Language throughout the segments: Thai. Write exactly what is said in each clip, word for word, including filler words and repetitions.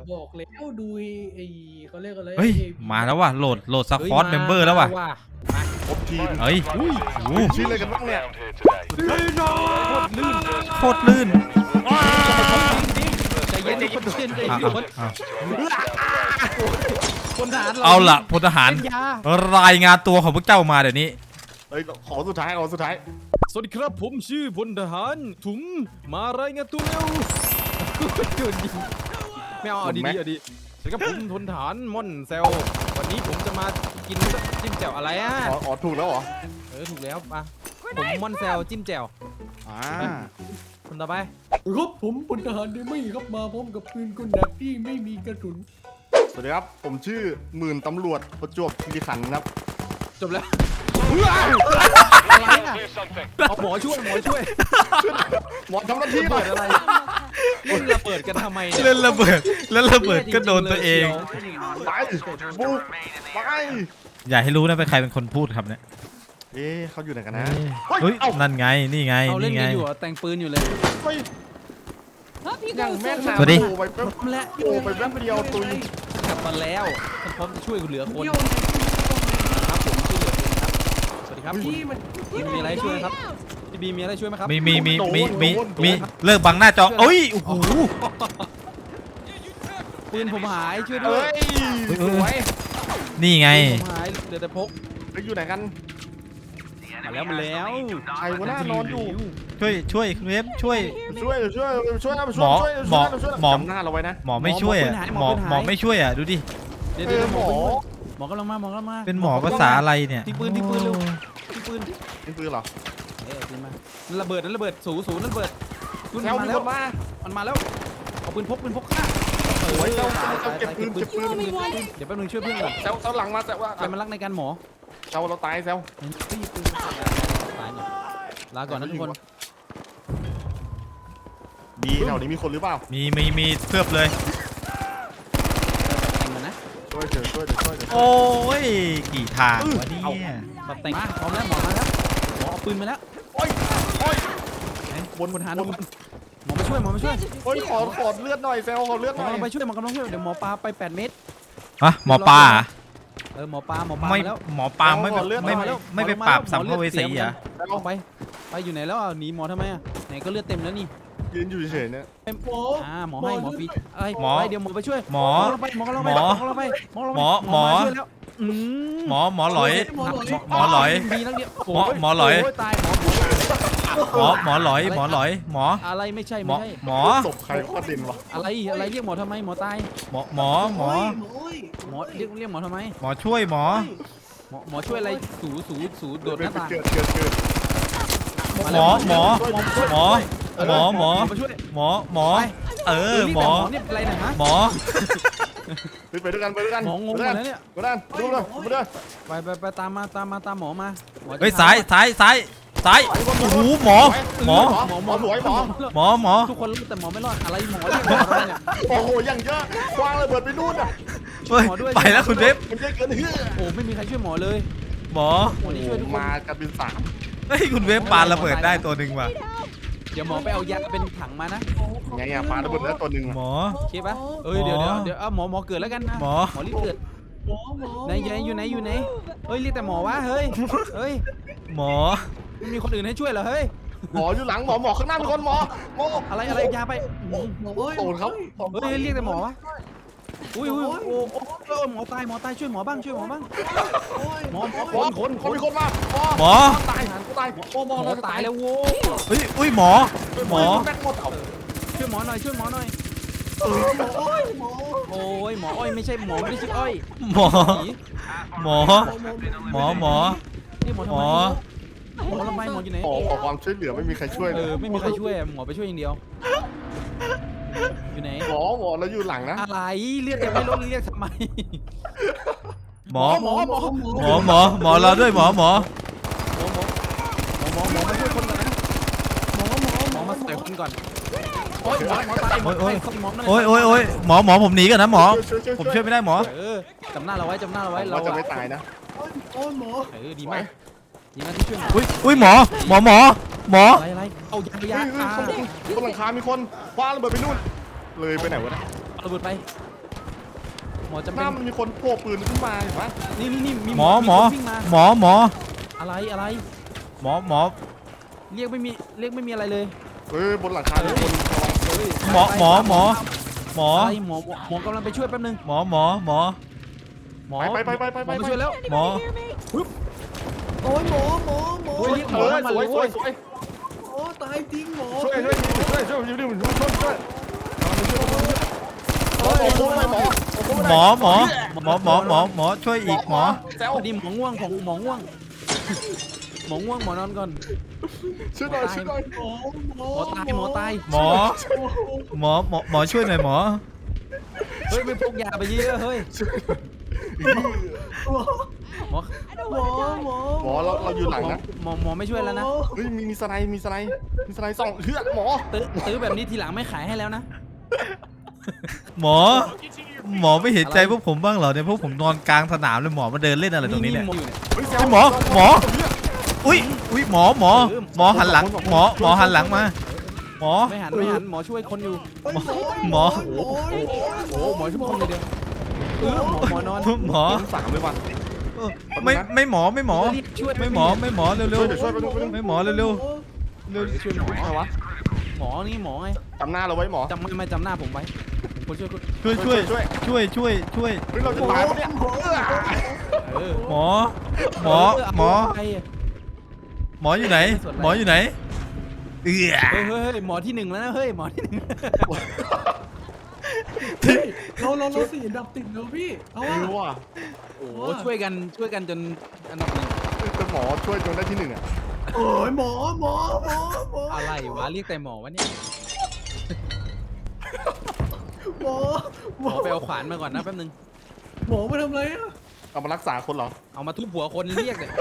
บอกแล้วดูไอ้เขาเรียกอะไรเฮ้ยมาแล้วว่ะโหลดโหลดซัพพอร์ตเมมเบอร์แล้วว่ะครบทีมเฮ้ยโอ้โหชื่ออะไรกันบ้างเนี่ยโคตรลื่นใจเย็นดิคนเย็นใจอ่ะเย็นอ่ะอ่ะคนทหารเอาล่ะพลทหารเป็นยารายงานตัวของพวกเจ้ามาเดี๋ยวนี้เฮ้ยขอสุดท้ายขอสุดท้ายสวัสดีครับผมชื่อพลทหารถุงมารายงานตัวเร็วโดนยิงไม่เอาเอาดีๆเอาดีสวัสดีครับผมพลทหารม่อนเซลวันนี้ผมจะมากินจิ้มแจ่วอะไรอ่ะอ๋ออ๋อถูกแล้วเหรอเออถูกแล้วป่ะผมม่อนเซลจิ้มแจ่วอ่าคนต่อไปครับผมพลทหารได้ไม่ครับมาพร้อมกับปืนกลหนักที่ไม่มีกระสุนสวัสดีครับผมชื่อหมื่นตำรวจประจวบคีรีขันธ์ครับจบแล้วอะไรอ่ะเอาหมอช่วยหมอช่วยหมอทำหน้าที่หน่เปิอยดอะไรเล่นระเบิดกันทำไมเนี่ยเล่นระเบิดแล้วระเบิดก็โดนตัวเองไปบุกไปอย่าให้รู้นะเป็นใครเป็นคนพูดครับเนี่ยเอ๊ะเขาอยู่ไหนกันนะเฮ้ยเอ้านั่นไงนี่ไงเอาเล่นนี่ไงกันอยู่อ่ะแต่งปืนอยู่เลยเฮ้ยยังแม่นสวัสดีโอ้ไปแป๊บพร้อมแล้วโอ้ไปแป๊บเดียวตุยกลับมาแล้วฉันพร้อมจะช่วยเหลือคนครับผมช่วยเหลือคนครับสวัสดีครับคุณพี่มันพี่มีอะไรช่วยครับพี่บีมีอะไรช่วยไหมครับมีมีมีมีมีมีเลิกบังหน้าจอโอ้ยโอ้โหปืนผมหายช่วยด้วเฮ้ยยสวยนี่ไงปืนผมหายเหลือแต่พกไปอยู่ไหนกันมาแล้วมาแล้วใครวะหน้านอนอยู่ช่วยช่วยคุณเวฟช่วยช่วยช่วยช่วยนะหมอช่วยหมอช่วยช่วยหมอจำหน้าเราไว้นะหมอไม่ช่วยอ่ะหมอหมอไม่ช่วยอ่ะดูดิเดี๋ยวเอเดี๋ยวอหหมมออหมอกำลังมาหมอกำลังมาเป็นหมอภาษาอะไรเนี่ยที่ปืนที่ปืนเร็วที่ปืนเป็นปืนเหรอเอ๊ะปืนมานั่นระเบิดนั่นระเบิดศูนย์ศูนย์นั่นระเบิดปืนแซวมามีแล้คว นมามันมาแล้วเอาปืนพกปืนพกฆ่าโอ้ยแซวตายแซวตายเก็บตายปืนเก็บปืนเดี๋ยวแป๊บนึงช่วยเพื่อนก่อนแซวแซวหลังมาแซวว่าใครมันรักในการหมอแซวเราตายแซวเฮ้ยปืนตายเนี่ยลาก่อนนะทุกคนดีแถวนี้มีคนหรือเปล่ามีมีมีเทือบเลยแต่งกันนะช่วยเถอะช่วยเถอะช่วยเถอะโอ้ยกี่ทางวะเนี่ยตัดแต่งมาพร้อมแล้วหมอมาแล้วหมอเอาปืนมาแล้วโอ้ยโอ้ยบนบนหาหมอมาช่วยหมอมาช่วยโอ้ยขอขอเลือดหน่อยแซวขอเลือดหมหอน่อยกำลังไปช่วยหมอกำลังช่วยเดี๋ยวหมอปลาไปแปดเมตรอะหมอปลาอะเออหมอปลาหมอปลาไม่มาแล้วหมอปลาไม่ไม่ไม่ไม่ไปปราบสัมภเวสีเหรอเอาไปไปอยู่ไหนแล้วอ่ะหนีหมอทำไมอ่ะไหนก็เลือดเต็มแล้วนี่ยืนอยู่เฉยๆเนี่ยหมออ่าหมอให้หมอฟรีอะไรไปเดี๋ยวหมอไปช่วยหมอลงไปหมอกำลังไปหมอกำลังไปหมอกำลังไปหมอหมอช่วยแล้วอืหมอหมอหลอยหมอหลอยหมอหลอยมีนักเดียวหมอหมอหลอยโตายหมอหมอหมอหลอยหมอหลอยหมออะไรไม่ใช่หมอไม่ใช่หมอศพใครโคตรดินวะอะไรอะไรเรียกหมอทำไมหมอตายหมอหมอหมอหมอเรียกเรียกหมอทำไมหมอช่วยหมอหมอหมอช่วยอะไรสูสูสูโดดหน้าต่างเกิดเกิดเกิดหมอหมอหมอหมอหมอมาช่วยหมอหมอเออหมอเนี่ยเป็นไรนะฮะหมอไปด้วยกันไปด้วยกันหมองงหมดแล้วเนี่ยไปด้วยกันดูเลยดูเลยไปไปไปตามมาตามมาตามหมอมาหมอจะเฮ้ยซ้ายซ้ายซ้ายซ้ายโอ้โหหมอหมอหมอหมอสวยหมอหมอหมอทุกคนรู้แต่หมอไม่รอดอะไรหมอเรียกหมอทำไมเนี่ยโอ้โหอย่างเยอะควางระเบิดไปนู่นอ่ะเฮ้ยไปแล้วคุณเวฟมันเยอะเกินเฮ้ยโอ้ไม่มีใครช่วยหมอเลยหมอหมอนี่ช่วยทุกคนมากันเป็นสามเฮ้ยคุณเวฟปาระเบิดได้ตัวหนึ่งว่ะเดี๋ยวหมอไปเอายาเป็นถังมานะไงอ่ะปลาระเบิดแล้วตัวหนึ่งหมอโอเคปะเอ้ยเดี๋ยวเดี๋ยวเดี๋ยวเอาหมอหมอเกิดแล้วกันนะหมอหมอรีบเกิดหมอหมอไหนอยู่ไหนอยู่ไหนอยู่ไหนเฮ้ยเรียกแต่หมอวะเฮ้ยเฮ้ยหมอไม่มีคนอื่นให้ช่วยเหรอเฮ้ยหมออยู่หลังหมอหมอข้างหน้ามีคนหมอหมออะไรอะไรยาไปอืมหมอเอ้ยโดนเขาเฮ้ยเรียกแต่หมอวะอุ้ยอุ้ยโอ้โอ้เออหมอตายหมอตายช่วยหมอบ้างช่วยหมอบ้างหมอหมอหมอคนคนมีคนมาหมอตายตายโอ้หมอหมอตายแล้วโว้ยเฮ้ยอุ้ยหมอหมอแม็กหมดช่วยหมอหน่อยช่วยหมอหน่อยโอ้ยหมอโอ้ยหมออ้อยไม่ใช่หมอไม่ได้ชื่ออ้อยหมอผีหมอหมอหมอนี่หมอทำหมไมอหมอทำไมหมออยู่ไหนขอขอความช่วยเหลือไม่มีใครช่วยเออไม่มีใครช่วยหมอไปช่วยอย่างเดียวอยู่ไหนหมอหมอเราอยู่หลังนะอะไรเรียกยังไม่ลดเรียกทำไมหมอหมอหมอหมอหมอหมอเราด้วยหมอหมอหมอหมอหมอหมอมาช่วยคนก่อนนะหมอหมอหมอมาใส่คนก่อนโอ้ยหมอหมอตายหมอตายหมอโอ้ยโอ้ยโอ้ยหมอหมอผมหนีกันนะหมอ ผมช่วยไม่ได้หมอเออจำหน้าเราไว้จำหน้าเราไว้เราเราจะไม่ตายนะโอ้ยหมอเออดีมากดีมากที่ช่วยหมออุ้ยอุ้ยหมอหมอหมอหมออะไรอะไรเอายายาเฮ้ยเฮ้ยข้างบนบนหลังคามีคนคว้าระเบิดไปนู่นเลยไปไหนวะเนี่ยอระเบิดไปหมอจำหเป็น้าน มันมีคนโผล่ปืนขึ้นมาเห็นไหมนี่นี่นี่มีหมอหมอคนวิ่งมาหมอหมออะไรอะไรหมอหมอเรียกไม่มีเรียกไม่มีอะไรเลยเฮ้ยบนหลังคามีคนระวังเฮ้ยหมอหมอหมอหมออะไรหมอหมอหมอกำลังไปช่วยแป๊บนึงหมอหมอหมอหมอไปไปไปไปหไปมอไปมาช่วยแล้วหมอโอ้ยหมอหมอหมอโอ้ยเรียกหมเอออทั้งวันสเลวยยสวเว้ยยสวยหมอตายจริงหมอช่วยช่วยช่วยช่วยช่วยช่วยช่วยช่วยช่วยหมอหมอหมอหมอหมอหมอหมอหมอหมอช่วยอีกหมอแซวพอดีหมอง่วงของหมอง่วงหมอง่วงหมอนอนก่อนช่วยหน่อยช่วยหน่อยหมอหมอหมอตายหมอตายหมอหมอหมอหมอช่วยหน่อยหมอเฮ้ยไม่พกยาไปเยอะเฮ้ยหมอหมอหมอหมอหมอเราเราอยู่หลังนะหมอหมอไม่ช่วยแล้วนะเฮ้ยมีมีสไลด์มีสไลด์มีสไลด์สองเฮือกหมอตื้อตื้อแบบนี้ทีหลังไม่ขายให้แล้วนะหมอ หมอไม่เห็นใจพวกผมบ้างเหรอเนี่ยพวกผมนอนกลางสนามเลยหมอมาเดินเล่นอะไรตรงนี้เนี่ยหมออยู่เนี่ยเฮ้ยแซไอ้วหมอหมอ อุ้ยอุ้ยหมอหมอหมอหันหลังหมอหมอหันหลังมาหมอไม่หันไม่หันหมอช่วยคนอยู่หมอหมอโอ้โหหมอช่วยคนเลยเดียวเออหมอหมอนอนหมอสามเลยว่ะไม่ไม่หมอไม่หมอช่วยไม่หมอไม่หมอเร็วเร็วช่วยเดี๋ยวช่วยไปดูไปดูไม่หมอเร็วเร็วเร็วช่วยหมออะไรวะหมอนี่หมอไงจำหน้าเราไว้หมอจำไม่ไม่จำหน้าผมไว้คนช่วยคนช่วยช่วยช่วยช่วยช่วยช่วยเฮ้ยเราจะตายปะเนี่ยเออหมอหมอหมอเฮ้ยหมออยู่ไหน หมออยู่ไหนเอือเฮ้ยเฮ้ยหมอที่หนึ่งแล้วนะเฮ้ยหมอที่หนึ่งเราเราเราสี่อันดับติดแล้วพี่เอาไม่อะรู้ว่ะโอ้โหช่วยกันช่วยกันจนอันดับหนึ่งเป็นหมอช่วยจนได้ที่หนึ่งอ่ะโอ้ยหมอหมอหมอหมออะไรวะเรียกแต่หมอวะเนี่ยหมอหหมมออไปเอาขวานมาก่อนนะแป๊บนึงหมอมาทำอะไรอะเอามารักษาคนเหรอเอามาทุบหัวคนเรียกเนี่ย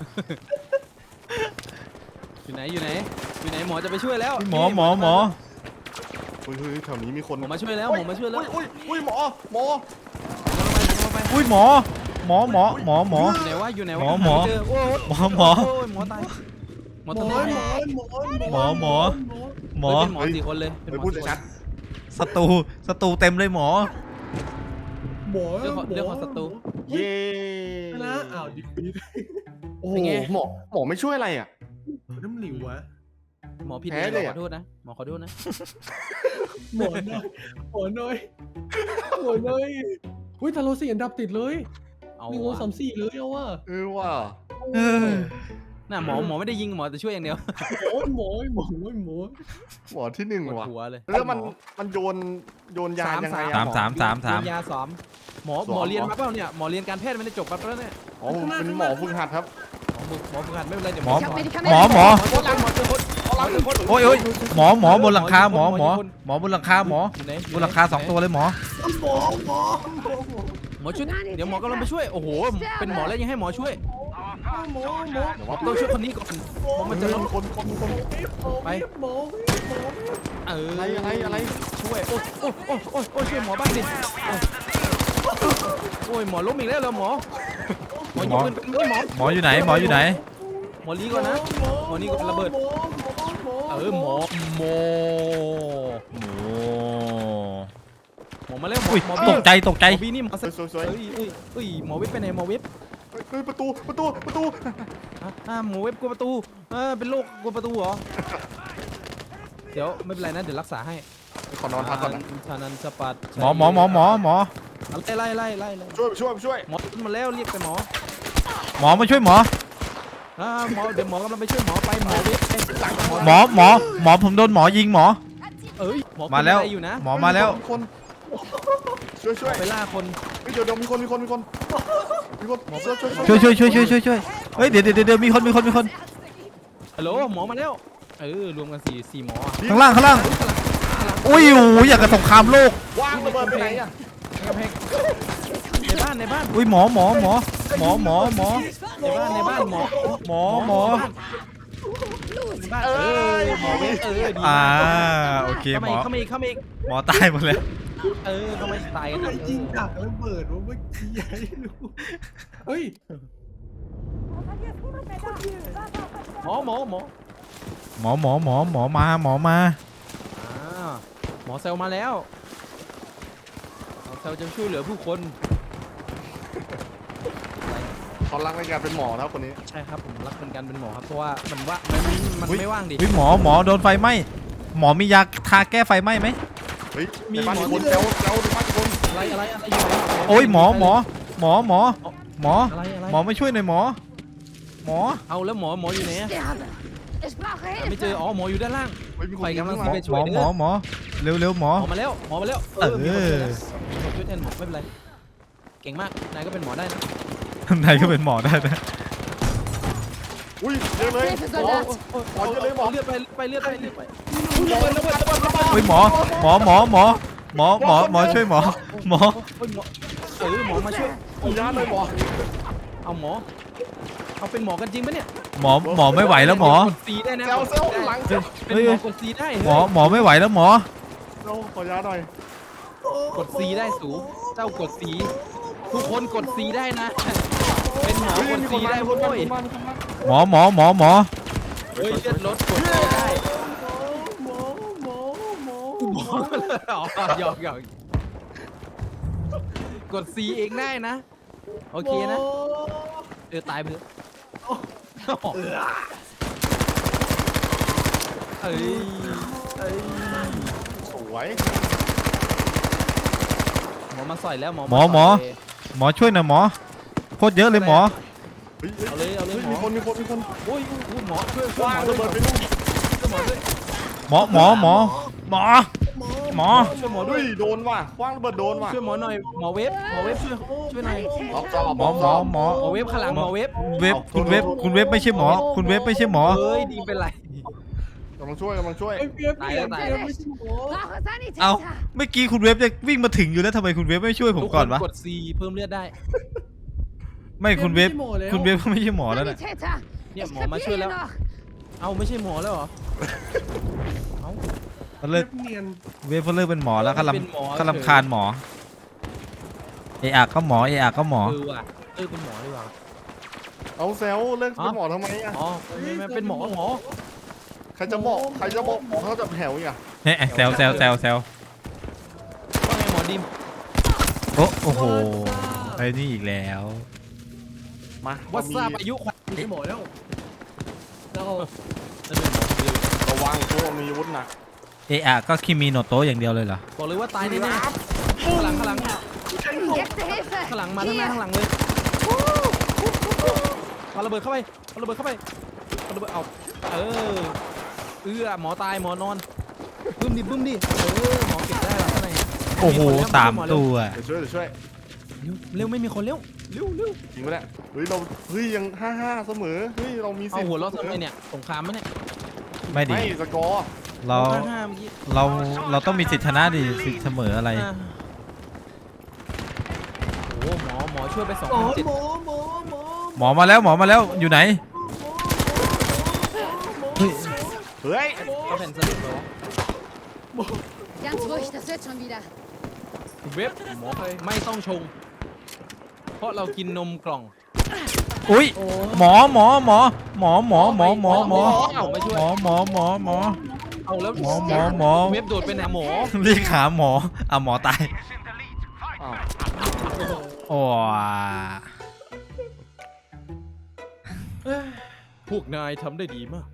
อยู่ไหนอยู่ไหนอยู่ไหนหมอจะไปช่วยแล้วหมอหมอหมอเฮ้ยเฮ้ยแถวนี้มีคนหมอมาช่วยแล้วหมอมาช่วยแล้วอุ้ยอุ้ยหมอหมอหมอไปหมอไปอุ้ยหมอ หมอหมอหมอหมออยู่ไหนวะอยู่ไหนวะหมอหมอไเจโอ้ยหมอหมอโอ้ยหมอตายหมอหมตาอย หมอหมอหมอหมอ หมอเป็นหมอสี่คนเลยเป็นเฮ้ยหมอพูดสี่คนชัดศัตรูศัตรูเต็มเลยหมอหมอเรื่องของเรื่องของศัตรูเย้นะอ้าวดิบดิบโอ้โหหมอหมอไม่ช่วยอะไรอ่ะน้ำหลิววะหมอผิดแพ้เลยเลยขอะอโทษนะหมอขอโทษนะหมอน้อยหมอน้อยหมอน้อยอุ้ยแต่เราสี่อันดับติดเลยเอาหนึ่งสองวะสามสี่เลยเอาว่าเออว่ะเออน่ะหมอหมอไม่ได้ยิงหมอแต่ช่วยอย่างเดียวโอ้ยหมอหมอหมอหมอที่หนึ่งปวดว่ะหัวเลยแล้วมันหอมันโยนโยนยายังไงสาอะมหอสามสามสามยาสามหมอสองหมอเรียนเหรอมาเปล่าเนี่ยหมอเรียนการแพทย์ไม่ได้จบมาแล้วเนี่ยอ๋อผมเป็นหมอฝึกหัดครับหมอฝึกหมอฝึกหัดไม่เป็นไรเดี๋ยวหมอสอนหมอหมอหมอเจอคนหมอเจอคนหมอเจอคนโอ้ยโอ้ยหมอหมอบนหลังคาหมอหมอหมอบนหลังคาหมออยู่ไหนบนหลังคาสองตัวเลยหมอหมอหมอหมอหมอหมอช่วยเดี๋ยวหมอกำลังไปช่วยโอ้โหเป็นหมอแล้วยังให้หมอช่วยหมอหมอเดี๋ยวว่าต้องช่วยคนนี้ก่อนเพราะมันจะล้มคนคนคนไปหมอหมอเอออะไรอะไรอะไรช่วยโอ้โอ้โอ้โอ้โอ้ช่วยหมอบ้างดิโอ้โอ้ยหมอล้มอีกแล้วเหรอหมอหมอยิงปืนเป็นไม่หมอหมออยู่ไหนหมออยู่ไหนหมอลีก่อนนะหมอนี่ก่อนระเบิดหมอหมอเออหมอหมอโอ้หมอมาแล้วหมออุ้ยหมอตบี้กใจตกใจหมอบี้นี่หมอสวยสวยสวยเอ้ยเอ้ยเอ้ยหมอเว็บไปไหนหมอเว็บเฮ้ยประตูประตูประตูอ่ะอ่ะหมอเว็บกลัวประตูเออเป็นโรคกลัวประตูเหรอเดี๋ยวไม่เป็นไรนะเดี๋ยวรักษาให้ขอนอนพักก่อนนะชานันสปัดหมอหมอหมอหมอหมอไล่ไล่ไล่ไล่ไล่ช่วยช่วยช่วยหมอขึ้นมาแล้วเรียกแต่หมอหมอมาช่วยหมออ่าหมอเดี๋ยวหมอกำลังไปช่วยหมอไปหมอเว็บไปหลังหมอหมอหมอผมโดนหมอยิงหมอเอ้ยหมอมาแล้วขึ้นบันไดอยู่นะหมอมาแล้วคนช่วยช่วยไปล่าคนเดี๋ยวเดี๋ยวมีคนมีคนมีคนมีคนช่วยช่วยช่วยช่วยช่วยช่วยช่วยช่วยเฮ้ยเดี๋ยวเดี๋ยวเดี๋ยวมีคนมีคนมีคนฮัลโหลหมอมาแล้วเออรวมกันสี่สี่หมออ่ะข้างล่างข้างล่างอุ้ยโอ้ยอยากกับสงครามโลกวางระเบิดไปไหนอ่ะกำแพงในบ้านในบ้านอุ้ยหมอหมอหมอหมอหมอหมอในบ้านในบ้านหมอหมอหมอในบ้านเออหมอเว็บเออดีอ่าโอเคเข้าหมามออีกเข้ามาอีกเข้ามาอีกหมอตายหมดแล้วเออเข้ามาตายกันไอ้ยิงดักระเบิดว่าเมื่อกี้ใหญ่รู้เฮ้ยหมอหมอหมอหมอหมอหมอหมอมาหมอมาอ่าหมอเซลมาแล้วเราจะช่วยเหลือผู้คนเขารักในการเป็นหมอแล้วคนนี้ใช่ครับผมรักเป็นการเป็นหมอครับเพราะว่ามันว่ามันมันไม่ว่างดิเฮ้ยหมอหมอโดนไฟไหม้หมอมียาทาแก้ไฟไหม้ไหมเฮ้ยในบ้านมีคนเจ้าเจ้าในบ้านมีคนอะไรอะไรอะไรอยู่ไหนโอ้ยหมอหมอหมอหมอหมออะไรอะไรหมอไม่ช่วยหน่อยหมอ หมอเอาแล้วหมอหมออยู่ไหนอะ Sterbe. Ich brauche ไม่เจอ Hilfe. อ๋อหมออยู่ด้านล่างเฮ้ยมีคนไปกำลังยิงหมอมาช่หมวอย หมอหมอเร็วเร็วหมอหมอมาแล้วหมอมาแล้วเออมีคนช่วยแล้วมีคนช่วยแทนหมอไม่เป็นไรเก่งมากนายก็เป็นหมอได้นะนายก็เป็นหมอได้นะอุ้ยเยอะเลย Hilfe, หมอ Soldat. หมอเยอะเลยหมอเลือดไปไปเลือดไปเลือดไประเบิดระเบิดระเบิดระเบิดเฮ้ยหมอหมอหมอหมอหมอหมอหมอช่วยหมอหมอเฮ้ยหมอเออหมอมาช่วยผมยาเลยหมอเอาหมอเอาเป็นหมอกันจริงปะเนี่ยหมอหมอไม่ไหวแล้วหมอกดซีได้นะเซลเซลหลังเซลเป็นหมอกดซีได้หมอหมอไม่ไหวแล้วหมอเซลขอยาหน่อยกดซีได้สูเจ้ากดซีทุกคนกดซีได้นะ เป็นหมอเฮ้ยกดมีคซีนมาได้มีคเว้นมาย มีคนมามีคนมาหมอหมอหมอหมอเฮ้ยเลือดลดกดซีได้หมอหมอหมอหมอเลยอ๋อหยอกหยอกกดซีเองได้นะโอเคนะเออตายไปเลยเอ้ยเอ้ยสวยหมอมาใส่แล้วหมอหมอหมอหมอช่วยหน่อยหมอโคตรเยอะเลยหมอเฮ้ยเอาเลยเอาเลยหมมีอคนมีคนมีคนโอ้ยหมอช่วยช่วยว้าหมอระด้วยเบิดไปลูกช่วยหมอด้วยหมอหมอหมอหมอหมอช่วยหมอด้เฮ้วยยโดนว่ะคว้างระเบิดโดนว่ะช่วยหมอหน่อยหมอเวฟหมอเวฟช่วยช่วยหน่อยล็อกจอหมอหมอหมอหมอเวฟข้างหลังหมอเวฟเว็บคุณเว็บคุณเว็บไม่ใช่หมอ คุณเว็บไม่ใช่หมอเฮ้ยดีเป็นไรกำลังช่วยกำลังช่วยไอ้เปียกเปียกตายเปีแล้ยว กตายไม่ใช่หมอ Brauche เอ้า Sanitäter. เมื่อกี้คุณเว็บจะวิ่งมาถึงอยู่แล้วทำไมคุณเว็บไม่ช่วยผมก่อนวะทุกคกด C เพิ่มเลือดได้ไม่คุณเว็บไม่ใช่หมอแล้วคุณเว็บก็ไม่ใช่หมอแล้วนะ Sanitäter. Ja, Ich Mama, krepiere schön, hier ja. noch. เอาไม่ใช่หมอแล้วเหรอเอาเขาเลิกเนียนเว็บเขาเลิกเป็นหมอแล้วเขาเป็นหมอลำเขาลำคาญหมอเออะก็หมอเออะก็หมอเออว่ะเออเป็นหมอดีกว่าเอาเซลเลิกเป็นหมอทำไมอ่ะอ๋อไม่ไม่เป็นหมอหมอใครจะบอกใครจะบอกหมอเขาจะแถวอีกอ่ะเนี่ยแซวแซวแซวแซวว่าไงหมอดิมโอ้โอ้โหไอ้นี่อีกแล้วมาวัดทราบอายุขวัญไม่ใช่หมอแล้วเรานั่นเป็นหมอเดียวระวังพวกมีอาวุธหนักเออะก็คิมิโนโตะอย่างเดียวเลยเหรอบอกเลยว่าตายแน่ๆข้างหลังข้างหลัง Jetzt Hilfe. ข้างหลังมาข้างหน้า Hier. ข้างหลังเลยเอาระเบิดเข้าไปเอาระเบิดเข้าไปเอาระเบิดเอาเออเอื้อหมอตายหมอนอนบึ้มดิบึ้มดิเออหมอเก็บได้แล้วข้างในโอ้โหสามตัวเดี๋ยวช่วยเดี๋ยวช่วยเร็วเร็วไม่มีคนเร็วเร็วเร็วจริงปะเนี่ยเฮ้ยเราเฮ้ยยังห้าห้าเสมอเฮ้ยเรามีสิเอาทธิ์หัวเราะทำไมเนี่ยสงครามมั้ยเนี่ยไม่ดีไม่สกอร์เราห้าห้าเมื่อกี้เราเราต้องมีสิทธิชนะดิสิทธิเสมออะไรอ่าโอ้หมอหมอช่วยไปสองหมอพันเจ็ดหมอหมอหมอหมอมาแล้วหมอมาแล้วอยู่ไหนเฮ้ยเขาแผ่นสลิปเหรอ Ganz ruhig, das wird schon wieder. เว็บหมอไม่ต้องชง เพราะเรากินนมกล่องอุ้ยหมอหมอหมอหมอหมอหมอหมอหมอเอาไม่ช่วยหมอหมอหมอหมอเอาแล้วหมอหมอหมอเว็บโดดไปไหนหมอเรียกหาหมออ่ะหมอตายอ้าวโอ้พวกนายทำได้ดีมาก